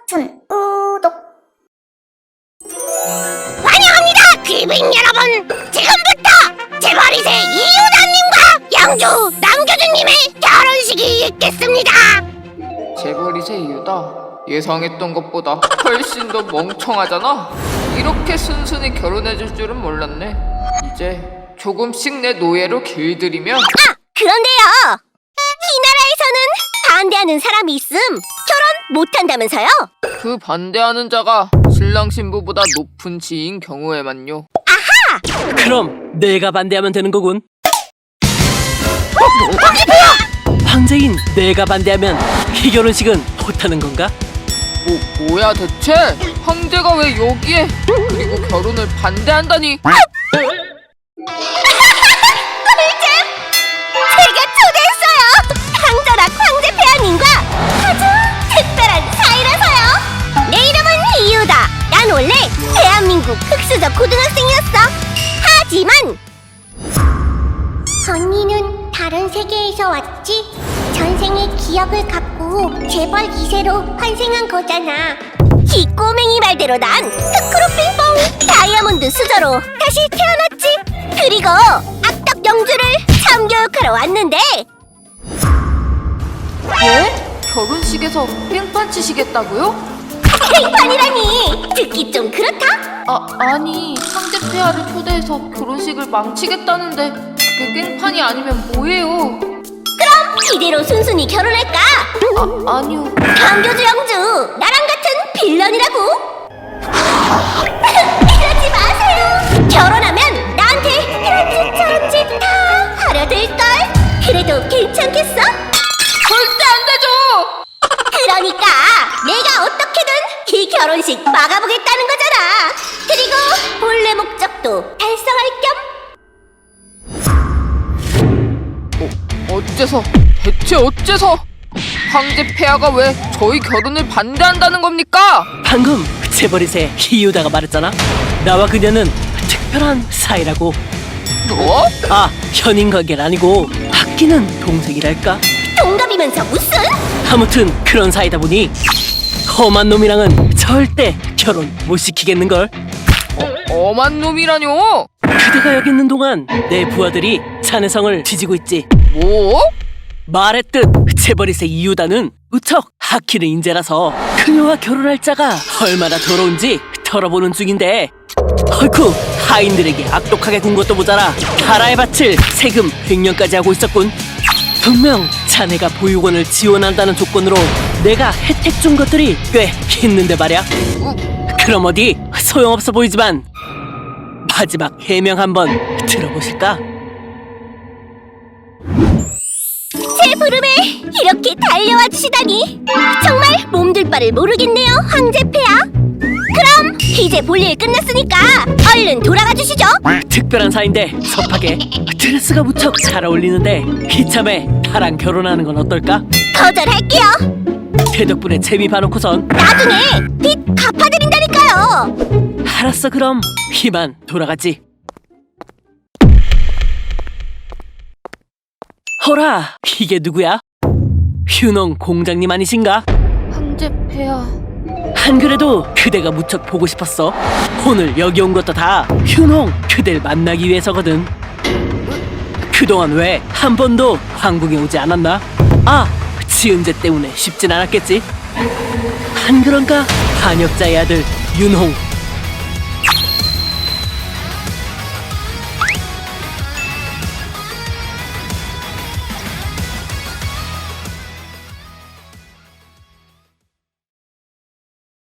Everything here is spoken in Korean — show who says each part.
Speaker 1: 버튼 구독.
Speaker 2: 환영합니다, 귀빈 여러분! 지금부터 재벌이세 이유다님과 양주 남교주님의 결혼식이 있겠습니다.
Speaker 3: 재벌이세 이유다. 예상했던 것보다 훨씬 더 멍청하잖아. 이렇게 순순히 결혼해줄 줄은 몰랐네. 이제 조금씩 내 노예로 길들이면.
Speaker 2: 그런데요, 이 나라에서는 반대하는 사람이 있음 결혼 못한다면서요?
Speaker 3: 그 반대하는 자가 신랑 신부보다 높은 지인 경우에만요.
Speaker 4: 그럼 내가 반대하면 되는 거군. 황제인 내가 반대하면 이 결혼식은 못하는 건가?
Speaker 3: 뭐야 대체? 황제가 왜 여기에? 그리고 결혼을 반대한다니?
Speaker 2: 제가 초대했어요! 황자락 황제 폐하님과 아주 특별한 사이라서요! 내 이름은 이유다! 난 원래 대한민국 흑수저 고등학생이었어! 하지만
Speaker 1: 언니는 다른 세계에서 왔지? 전생의 기억을 갖고 재벌 2세로 환생한 거잖아.
Speaker 2: 이 꼬맹이 말대로 난 흑크로핑뽕 다이아몬드 수저로 다시 태어났지! 그리고 악덕 영주를 참교육하러 왔는데
Speaker 3: 예? 결혼식에서 뺑판 치시겠다고요?
Speaker 2: 팽판이라니! 듣기 좀 그렇다?
Speaker 3: 아니 황제 폐하를 초대해서 결혼식을 망치겠다는데 그게 깽판이 아니면 뭐예요?
Speaker 2: 그럼 이대로 순순히 결혼할까?
Speaker 3: 아니요.
Speaker 2: 강교주 영주 나랑 같은 빌런이라고? 이러지 마세요. 결혼하면 나한테 이런 짓 저런 짓 다 하려 될걸. 그래도 괜찮겠어?
Speaker 3: 절대 안 되죠!
Speaker 2: 그러니까 내가 어떻게든 이 결혼식 막아보겠다는 거잖아. 그리고 본래 목적도 달성할 겸
Speaker 3: 어째서? 대체 어째서? 황제 폐하가 왜 저희 결혼을 반대한다는 겁니까?
Speaker 4: 방금 재벌이세 이유다가 말했잖아. 나와 그녀는 특별한 사이라고.
Speaker 3: 뭐?
Speaker 4: 현인 관계는 아니고 아끼는 동생이랄까?
Speaker 2: 동갑이면서 무슨?
Speaker 4: 아무튼 그런 사이다 보니 험한 놈이랑은 절대 결혼 못 시키겠는걸.
Speaker 3: 엄한 놈이라뇨?
Speaker 4: 그대가 여기 있는 동안 내 부하들이 자네성을 지지고 있지.
Speaker 3: 뭐?
Speaker 4: 말했듯 재벌이세 이유다는 무척 하키는 인재라서 그녀와 결혼할 자가 얼마나 더러운지 털어보는 중인데, 헐쿠 하인들에게 악독하게 군 것도 모자라 가라에 바칠 세금 100년까지 하고 있었군. 분명 자네가 보육원을 지원한다는 조건으로 내가 혜택 준 것들이 꽤 있는데 말야. 그럼 어디 소용없어 보이지만 마지막 해명 한번 들어보실까?
Speaker 2: 제 부름에 이렇게 달려와 주시다니 정말 몸둘 바를 모르겠네요, 황제 폐하. 그럼 이제 볼일 끝났으니까 얼른 돌아가 주시죠.
Speaker 4: 특별한 사이인데 섭하게 드레스가 무척 잘 어울리는데 이참에 나랑 결혼하는 건 어떨까?
Speaker 2: 거절할게요.
Speaker 4: 대 덕분에 재미 봐놓고선.
Speaker 2: 나중에 빚 갚아드린다니까요.
Speaker 4: 알았어, 그럼 이만 돌아가지. 허라, 이게 누구야? 휴농 공장님 아니신가?
Speaker 3: 황제 폐하.
Speaker 4: 안 그래도 그대가 무척 보고 싶었어. 오늘 여기 온 것도 다 휴농 그댈 만나기 위해서거든. 그동안 왜 한 번도 한국에 오지 않았나? 지은재 때문에 쉽진 않았겠지? 안 그런가? 한역자의 아들 윤홍